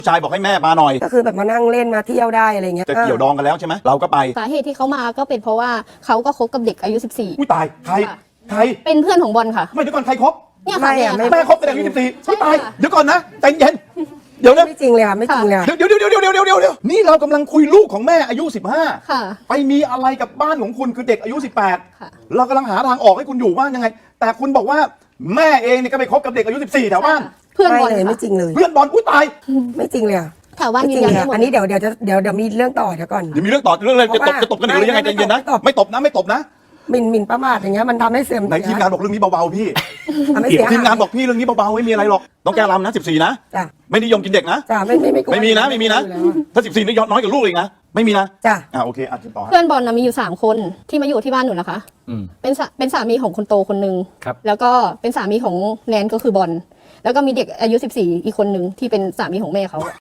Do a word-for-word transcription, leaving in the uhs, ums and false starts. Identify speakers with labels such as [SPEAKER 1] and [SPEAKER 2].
[SPEAKER 1] ชายบอกให้แม่มาหน่อย
[SPEAKER 2] ก็คือแบบมานั่งเล่นมาเที่ยวได้อะไรเงี้ย
[SPEAKER 1] จะเกี่ยวดองกันแล้วใช่ไหมเราก็ไป
[SPEAKER 3] สาเหตุที่เขามาก็เป็นเพราะว่าเขาก็คบกับเด็กอายุสิบสี่
[SPEAKER 1] อุ้ยตายใครใคร
[SPEAKER 3] เป็นเพื่อนของบอลค่ะ
[SPEAKER 1] ไม่เดี๋ยวก่อนใครคบ
[SPEAKER 3] เนี่ยค่ะ
[SPEAKER 1] แม่คบกับเด็กอายุสิบสี่อุ้ยตายเดี๋ยวก่อนนะใจเย็นเดี๋ยวนะ
[SPEAKER 2] ไม่จริงเลยค่ะไม่จริงเลย
[SPEAKER 1] เดี๋ยวเดี๋ยวเดี๋ยวเดี๋ยวเดี๋ยวเดี๋ยวเดี๋ยวนี่เรากำลังคุยลูกของแม่อายุสิบห้า
[SPEAKER 3] ค่ะ
[SPEAKER 1] ไปมีอะไรกับบ้านของคุณคือเด็กอายุสิบแปด
[SPEAKER 3] ค่ะ
[SPEAKER 1] เรากำลังหาทางออกให้คุณอยู่ว่ายังไงแต่คุณบอกว่าแม่เองเนี่ยก็ไปคบกับเด็กอายุสิบสี่แถวบ้าน
[SPEAKER 3] เพื่อนบอล
[SPEAKER 2] เลยไม่จริงเลย
[SPEAKER 1] เพื่อนบอลอุ้ยตาย
[SPEAKER 2] ไม่จริงเลย
[SPEAKER 3] แถวบ้านยืนยันได้หมด
[SPEAKER 2] อันนี้เดี๋ยวเดี๋ยวจะเดี๋ยวเดี๋ยวมีเรื่องต่อเดี๋ยวก่อน
[SPEAKER 1] เดี๋ยวมีเรื่องต่อเรื่องอะไรจะตบจะตบกันหรือยังไงใจเย็นนะไม่ตบนะไม่ตบนะ
[SPEAKER 2] หมิ่นหมิ่นประมาทอย่างเงี้ยมันทำให้เสื่อม
[SPEAKER 1] ในทีมงานบอกเรื่องนี้เบาๆพี่
[SPEAKER 2] ทำให้เสีย
[SPEAKER 1] ทีมงานบอกพี่เรื่องนี้เบาๆไม่มีอะไรหรอกต้องแก้รำนะสิบสี่นะ
[SPEAKER 2] จ้ะ
[SPEAKER 1] ไม่นิยมกินเด็กนะ
[SPEAKER 2] จ้ะไม่ไม่ไม่
[SPEAKER 1] ไม่มีนะไม่มีนะถ้าสิบสี่นี่น้อยกว่าลูกอีกนะไม่มีนะ
[SPEAKER 2] จ้ะ
[SPEAKER 1] อ่าโอเคอ่ะต่อ
[SPEAKER 3] เพื่อนบอลนะมีอยู่สามคนที่มาอยู่ที่บ้านหนูนะคะเป็นเป็นสามีของคนโตคนนึงแล้วก็เป็นสามีของแนนก็คือบอลแล้วก็มีเด็กอายุสิบสี่อีกคนนึงที่เป็นสามีของแม่เขา